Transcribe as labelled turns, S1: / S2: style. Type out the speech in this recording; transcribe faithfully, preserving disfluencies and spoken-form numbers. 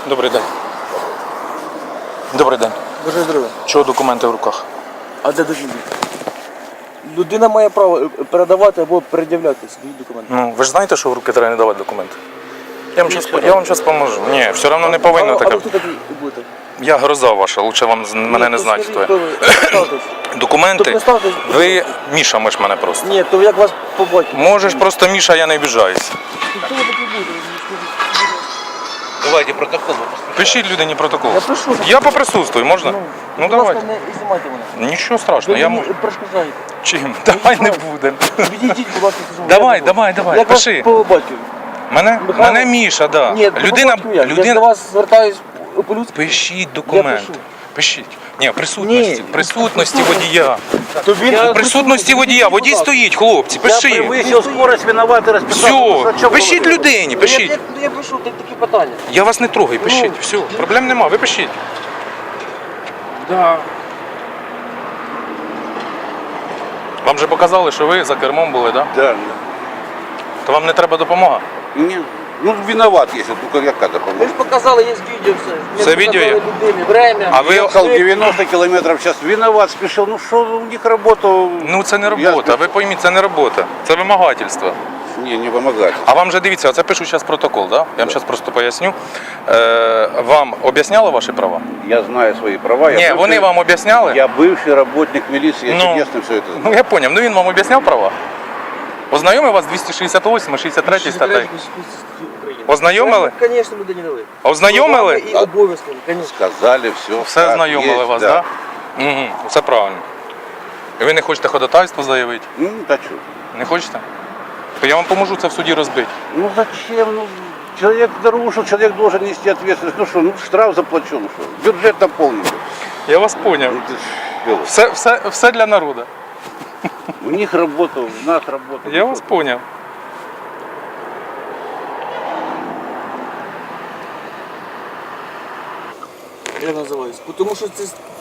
S1: Добрий день. Добрий день.
S2: Бажаю здоров'я.
S1: Чого документи в руках?
S2: А де документи? Людина має право передавати або пред'являти свої документи.
S1: Ну, ви ж знаєте, що в руки треба не давати документи? Я вам щас, я вам зараз поможу. Ні, все одно не повинно
S2: а, а
S1: таке.
S2: ви хто такий будете?
S1: Я гроза ваша, лучше вам з- мене не знати, хто я.
S2: Представтесь.
S1: Документи?
S2: То представтесь.
S1: Ви Міша, ми ж мене просто.
S2: Ні, то як вас побачити?
S1: Можеш просто Міша, я не обіжаюсь.
S2: Хто ви такий будете?
S3: Давайте протокол.
S1: Пишіть людині протокол.
S2: Я пишу.
S1: Я поприсутствую, можна? Ну
S2: будь
S1: давайте.
S2: ласка, не знімайте мене.
S1: Нічого страшного, я
S2: Ви
S1: можу.
S2: мені перешкоджаєте.
S1: Чим? Давай не будемо.
S2: Відійдіть, будь ласка, скажу.
S1: Давай,
S2: Я
S1: давай,
S2: буду.
S1: давай,
S2: Як вас
S1: пиши.
S2: по батькові?
S1: Мене?
S2: Михайло?
S1: Мене Міша, да.
S2: Ні, по
S1: Людина,
S2: батькові як? Я ж
S1: людина...
S2: до вас звертаюсь по-людськи.
S1: Пишіть документ.
S2: пишу.
S1: Пишіть. Ні, присутності.
S2: Ні.
S1: Присутності водія.
S2: То він
S1: У присутності водія. Водій стоїть, хлопці, пиши.
S3: Превысил скорость, виноватый, расписал.
S1: Все, пишіть людині,
S2: Я,
S1: пишіть.
S2: я, я пишу так- такі питання.
S1: Я вас не трогаю, пишіть.
S2: Ну.
S1: Все, проблем нема, ви пишіть.
S2: Да.
S1: Вам же показали, що ви за кермом були, так? Да?
S3: Да.
S1: То вам не треба допомога?
S3: Не, ну, виноват, если только я кадр
S2: Ви
S3: помогу.
S2: ж показали, є відео все. Ми
S1: Все
S2: ж
S1: відео є?
S2: показали людині, время.
S1: А ви-
S3: Ехал девяносто километров в час, виноват, спешил. Ну что, у них работа...
S1: Ну це не
S3: Я
S1: робота,
S3: спешу.
S1: ви пойміть, це не робота, це вимагательство.
S3: Не, не помогать.
S1: А вам же дивіться, оце пишу зараз протокол, да? Я вам зараз просто поясню. Е, вам об'ясняли ваші права?
S3: Я знаю свои права. Я
S1: Ні,
S3: бывший-
S1: вони вам об'ясняли?
S3: Я бывший работник милиции, я
S1: Ну.
S3: чудесно все это знаю.
S1: Ну я поняв, ну він вам об'ясняв права? Ознайомив вас двісті шістдесят восьма, шістдесят третя статтею? Ознайомили?
S2: Звісно, людині дали.
S1: Ознайомили?
S2: І обов'язками, звісно.
S3: Сказали все.
S1: Все ознайомили вас, так? Да? Угу, все правильно. І ви не хочете ходатайство заявити?
S3: Ну, да что?
S1: Не хочете? То я вам поможу це в суді розбити.
S3: Ну зачем? Ну, человек нарушил, человек должен нести ответственность. Ну что, ну штраф заплачу, ну что, бюджет наполнен.
S1: Я вас поняв.
S3: Ну, ты ж, ёлка.
S1: Все, все, все для народу.
S3: У них работа, у нас работа.
S1: Я вас поняв.
S2: Я називаюсь. Тому що це